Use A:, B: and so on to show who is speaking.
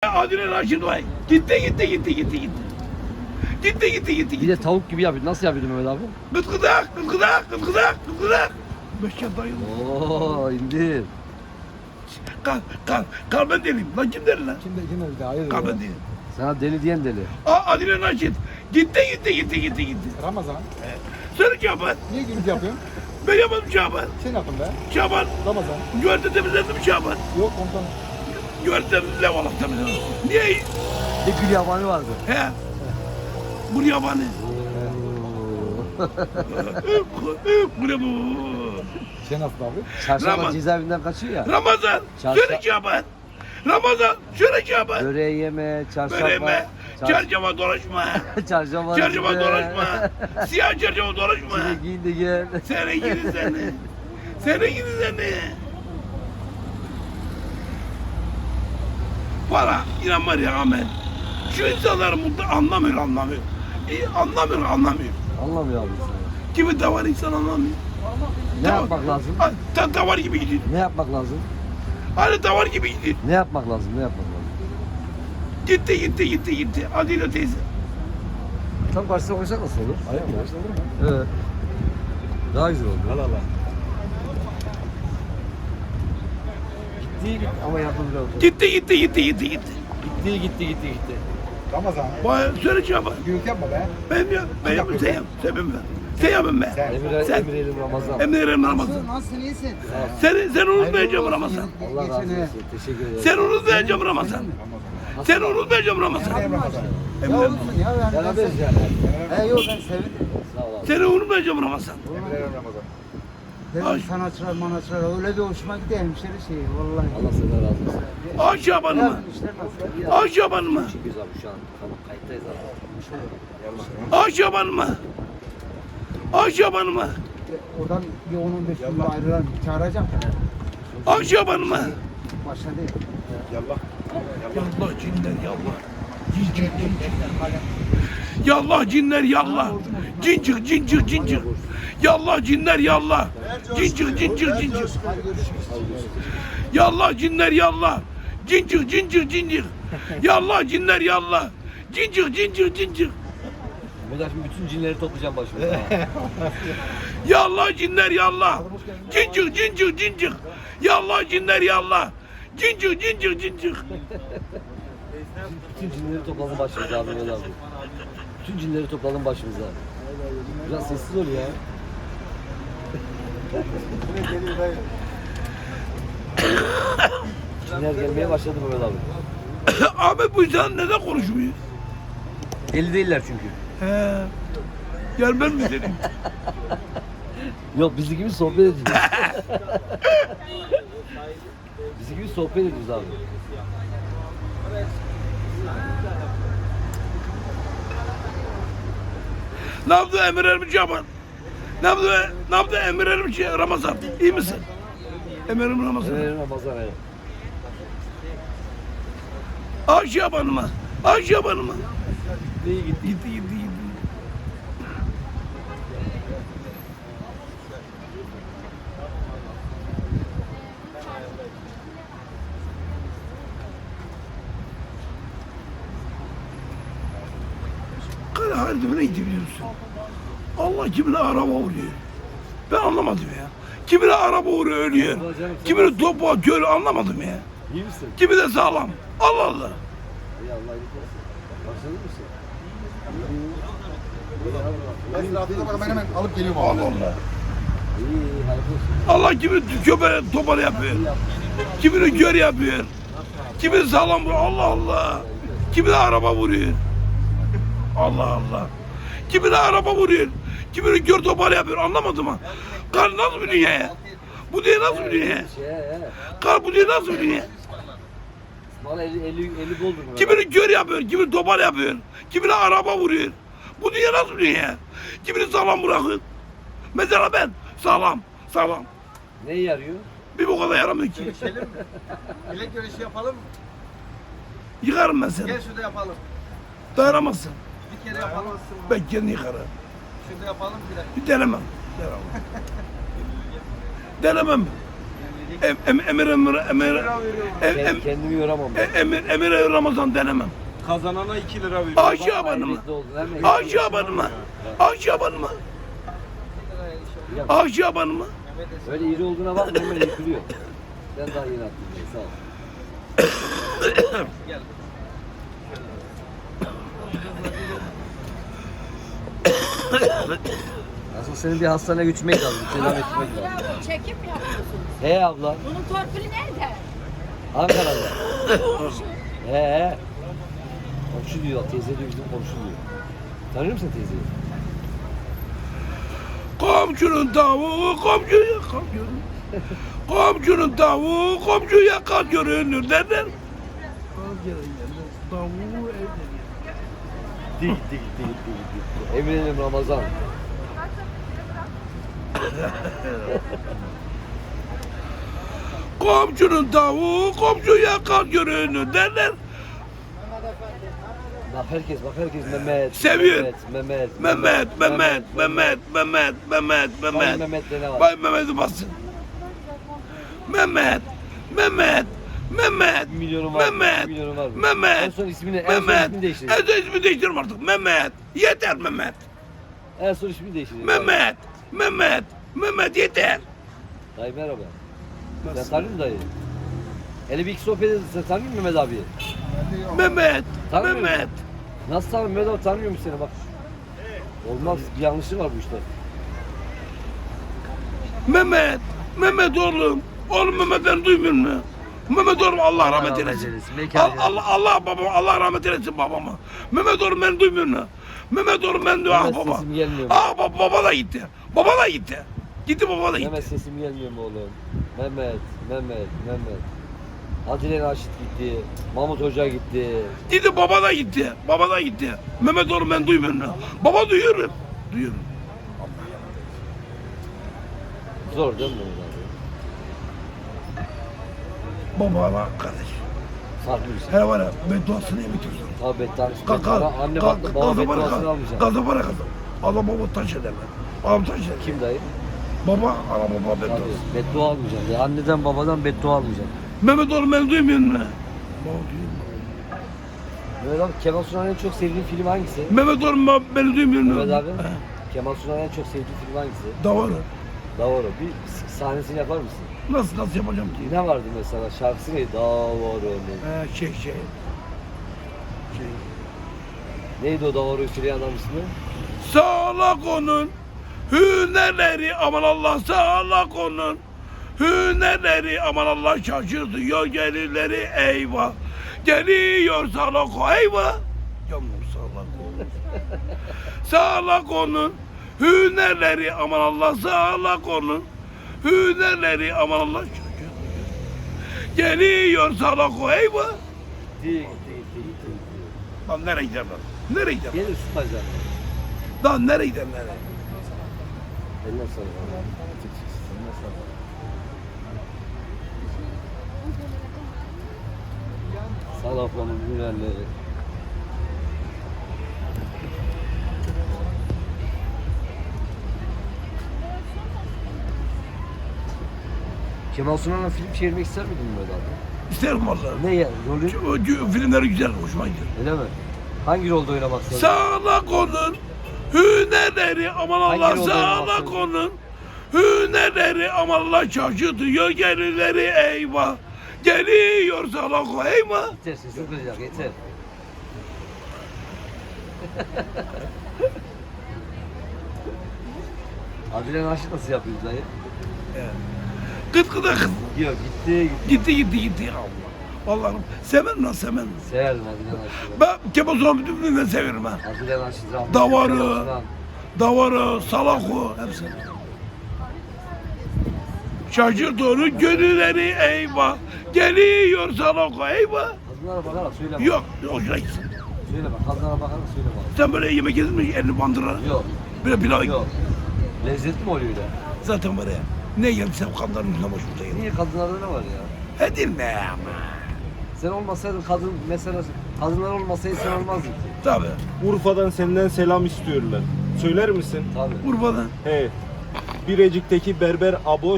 A: Adile Raşit Bey. Gitti.
B: Bir de tavuk gibi yapıyor. Nasıl yapıyordun Mehmet abi?
A: Gıtkıdak. Beşer dayı.
B: Oo indir.
A: Kal ben deliyim. Lan kim deli lan?
C: Kim de hayır.
A: Kal ben deliyim.
B: Sana deli diyen deli.
A: Adile Raşit. Gitti.
C: Ramazan.
A: Söyle Şaban.
C: Niye gülüp yapıyorsun?
A: Ben yapmadım Şaban.
C: Sen yapın be.
A: Şaban.
C: Ramazan.
A: Güverte temizledim Şaban.
C: Yok komutanım.
A: Güverte temizledim. Allah temizledim. Niye?
B: Bir gül yabani vardı.
A: He. Bu yabanı. Bu ne bu?
C: Sen nasıl abi?
B: Çarşamba
A: Ramazan.
B: cezaevinden kaçıyor ya.
A: Ramazan.
B: Çarşı-
A: Söyle Şaban. Ramazan. Söyle Şaban.
B: Böreği yeme, çarşamba.
A: Böreme. Çarşamba dolaşma.
B: Çarşamba.
A: Çarşamba dolaşma. Siyah çarşamba dolaşma.
B: Seni giyin de gel.
A: Seni gidi seni. Seni gidi seni. Para inan var ya Ahmet. Şu insanlar mutlu anlamıyor. Anlamıyor.
B: Anlamıyor abi sen.
A: Kimi davar insan anlamıyor.
B: Ne yapmak lazım?
A: Davar gibi gidiyor.
B: Ne yapmak lazım?
A: Hani davar gibi gidiyor.
B: Ne yapmak lazım? Ne yapmak lazım?
A: Gitti. Adile teyze.
B: Tam karşısına koysak nasıl olur?
C: Ayak mı? Olur mu?
B: Evet. Daha güzel oldu.
C: Allah.
B: Gitti ama yapıldı.
A: Gitti.
B: Gitti.
C: Ramazan.
A: Bana söyle Şaban.
C: Gülüp yapma be.
A: Ben yapayım sen yapın be. Sen.
B: Emir Elim Ramazan.
A: Emre'nin Ramazan.
D: Nasılsın iyisin?
A: Sen unutmayacağım Ramazan.
B: Allah razı olsun. Teşekkür ederim.
A: Sen unutmayacağım Ramazan. Sen unutmayacağım Ramazan.
C: Ramazan.
D: Ya olsun ya ben
B: Beraberiz yani.
D: Yok ben sevindim.
B: Sağ ol abi.
A: Seni unutmayacağım Ramazan.
C: Ramazan.
D: Dedim sanatçılar öyle bir hoşuma gitti hemşeri şeyi vallahi.
B: Allah senden razı olsun.
A: Ay Şaban'ıma.
D: İşler nasıl?
A: Ay Şaban'ıma.
B: Çekiyoruz abi şu an. Tamam kayıttayız abi.
A: Ay Şaban'ıma. Ay Şaban'ıma.
D: Oradan bir 10-15 gün ayrılan çağıracağım.
A: Ay Şaban'ıma.
D: Başladı.
C: Yallah.
A: Yallah cinler yallah. Yallah cinler yallah. Cincik. Yallah cinler yallah. Cincik. Yallah cinler yallah. Cincik. Yallah cinler yallah. Cincik.
B: Mehmet abi bütün cinleri toplayacağım başımıza.
A: Yallah cinler yallah. Cincik. Yallah cinler yallah. Cincik.
B: Bütün cinleri toplayalım başımıza abi Mehmet abi. Bütün cinleri toplayalım başımıza. Biraz sessiz ol ya. Cinler gelmeye başladı Mehmet abi.
A: Ahmet bu insan neden konuşmuyor?
B: Deli değiller çünkü.
A: He. Gelmez mi dedim.
B: Yok bizi gibi sohbet ediyoruz. Bizi gibi sohbet ediyoruz abi.
A: Ne yaptı Emir Ermiş Şaban? Ne yaptı Emir Ermiş Ramazan? İyi misin? Emir Ermiş Ramazan.
B: Evet Ramazan evet.
A: Ay Şaban'ıma.
B: İyi gitti.
A: Gitti. Kara haldimine gitti biliyor musun? Allah kimine araba vuruyor. Ben anlamadım ya. Kimine araba vuruyor ölüyor. Kimine topu atıyor anlamadım ya.
B: İyi misin?
A: Kimi de sağlam. Allah Allah.
B: İyi Allah iyilik versin. Başladın mısın?
C: Ben rahatına bak ben hemen alıp geliyorum
A: Allah
C: abi.
A: Allah.
B: İyi hayırlı olsun.
A: Allah kimi köpeğe topal yapıyor. Kimini gör yapıyor. Kimini sağlam vuruyor. Allah Allah. Kimine araba vuruyor. Allah Allah. Kimine araba vuruyor. Kimini gör topal yapıyor. Anlamadım ha. Kar nasıl bir dünya ya? Bu dünya nasıl bir dünya ya? Kar bu dünya nasıl bir dünya?
B: Bana 50 doldur mu?
A: Kimini gör yapıyor. Kimini topal yapıyor. Kimine araba vuruyor. Bu dünya nasıl bir dünya ya? Kimini sağlam bırakıyor. Mesela ben sağlam.
B: Neye yarıyor?
A: Bir bu kadar yaramıyor ki.
D: Bilek görüşü yapalım mı?
A: Yıkarım ben seni.
D: Gel şurada yapalım.
A: Dayanamazsın.
D: Bir kere yapalım.
A: Ben kendini yıkarım.
D: Şurada yapalım bir de.
A: Bir denemem. Denemem.
B: Kendimi yoramam ben.
A: Emir Ramazan denemem.
E: Kazanana 2 lira veriyor.
A: Aşağı banıma. Aşağı banıma. Aşağı banıma. Aşağı banıma.
B: Öyle iri olduğuna bakma hemen yıkılıyor. Ben daha yeni attım. Sağ ol. Aslında senin bir hastaneye götürmek lazım. Tedavi etmek lazım.
F: Abla, çekim mi yapıyorsunuz?
B: He abla.
F: Bunun torpili nerede?
B: Ankara'da.
F: Komşu.
B: He. Komşu diyor. Teyze diyor bizim komşu diyor. Tanıyor musun teyzeyi?
A: Komşunun tavuğu komşuya kalkıyor. Komşunun tavuğu komşuya kalk görünür derler. Tavuğu evde.
B: Değil. Eminim Ramazan.
A: Komşunun tavuğu komşuya kalk görünür derler.
B: Bak herkes Mehmet.
A: Seviyor.
B: Mehmet.
A: Mehmet.
B: Mehmet de ne var?
A: Bay Mehmet'i bassın. Mehmet.
B: 1 milyonu var. 1 milyonu var.
A: Mehmet.
B: En son ismini değiştirecek.
A: En son ismini değiştirim artık. Mehmet. Yeter Mehmet.
B: En son ismini değiştirecek.
A: Mehmet yeter.
B: Dayı merhaba. Sen tanıyor musun dayı? Hele bir iki sohbet edin. Sen tanıyor musun Mehmet abi?
A: Mehmet.
B: Nasıl tanıyor Mehmet abi? Tanıyor musun seni bak. Olmaz. Bir yanlışlık var bu işte.
A: Mehmet oğlum. Oğlum Mehmet beni duymuyor mu? Mehmet oğlum Allah rahmet eylesin. Allah rahmet eylesin babama. Mehmet oğlum beni duymuyor mu? Mehmet oğlum ben diyor ah
B: Mehmet
A: baba.
B: sesim gelmiyor mu?
A: Ah baba da gitti. Baba da gitti. Gitti baba da gitti.
B: Mehmet sesim gelmiyor mu oğlum? Mehmet. Adile Naşit gitti. Mahmut Hoca gitti.
A: Gitti baba da gitti. Baba da gitti. Mehmet oğlum ben duymuyor mu? Baba duyuyorum. Duyuyorum.
B: Zor değil mi Mehmet abi?
A: Baba var kardeş.
B: Farklı bir şey.
A: Hele var ya bedduasını yemetiyorsun.
B: Tabii bedduası. Anne
A: Kalk,
B: baktı baba bedduasını almayacak.
A: Gaza para kazan. Allah baba taş ederler. Babam taş eder.
B: Kim dayı?
A: Baba, ana baba bedduası.
B: Tabii. Beddua almayacak. Ya anneden babadan beddua almayacak.
A: Mehmet oğlum ben duymuyor mu? Baba duyuyor mu?
B: Mehmet abi Kemal Sunal'ın en çok sevdiğin film hangisi?
A: Mehmet oğlum beni duymuyor mu?
B: Mehmet abi Kemal Sunal'ın en çok sevdiğin film hangisi?
A: Davarı.
B: Davaro. Bir sahnesini yapar mısın?
A: Nasıl yapacağım ki?
B: Ne vardı mesela? Şarkısı neydi? Davaro.
A: Şey.
B: Neydi o Davaro'yu söyleyen adam ismi?
A: Sağlak onun hünerleri aman Allah sağlak onun hünerleri aman Allah şaşırtıyor gelirleri eyvah. Geliyor sağlak o eyvah. Yavrum sağlak onun. Sağlak onun hünerleri aman Allah sağlak onun hünerleri aman Allah şaşırtıyor. Geliyor sağlak o eyvah.
B: Gitti.
A: Lan nereye gider lan? Nereye gider?
B: Gelir tutacak.
A: Lan nereye gider nereye?
B: Eline sağlık. Eline sağlık. Salaflanın hünerleri. Kemal Sunal'la film çevirmek ister miydin Mehmet abi?
A: İsterim vallahi.
B: Ne ya? Rolü?
A: Filmleri güzel, hoşuma gidiyor.
B: Öyle mi? Hangi rolde oynamak isterdin?
A: Sağlak onun hünerleri aman
B: Hangi
A: Allah
B: rolde
A: sağlak
B: oynamak
A: onun hünerleri aman Allah şaşırtıyor gelirleri eyvah. Geliyor sağlak o eyvah.
B: Yeter sesin kıracak yeter. Adile Naşit nasıl yapıyoruz dayı?
A: Kıt kıda kız.
B: Yok gitti.
A: Allah. Allah'ım severim lan severim.
B: Severim Adile Naşit'i.
A: Ben Kemal Sunal'ı bütün ben severim ha.
B: Adile Naşit rahmetli.
A: Davarı.
B: Kemal Sunal.
A: Davarı, salako hepsi. Şaşırt onu gönülleri eyvah. Geliyor salako eyvah.
B: Kadınlara bakarak söyleme.
A: Yok, hoşuna gitsin.
B: Söyleme. Kadınlara bakarak söyleme.
A: Sen böyle yemek yedin mi elini bandıra?
B: Yok.
A: Böyle pilav
B: Yok. Lezzetli mi oluyor öyle?
A: zaten var ya. Ne yersem kanların yüzüne başımıza yedim.
B: Niye kadınlarda ne var ya?
A: Edilme ama.
B: Sen olmasaydın kadın mesela kadınlar olmasaydı sen olmazdın ki.
A: Tabii.
E: Urfa'dan senden selam istiyorlar. Söyler misin?
B: Tabii.
A: Urfa'da.
E: He. Birecik'teki berber Abo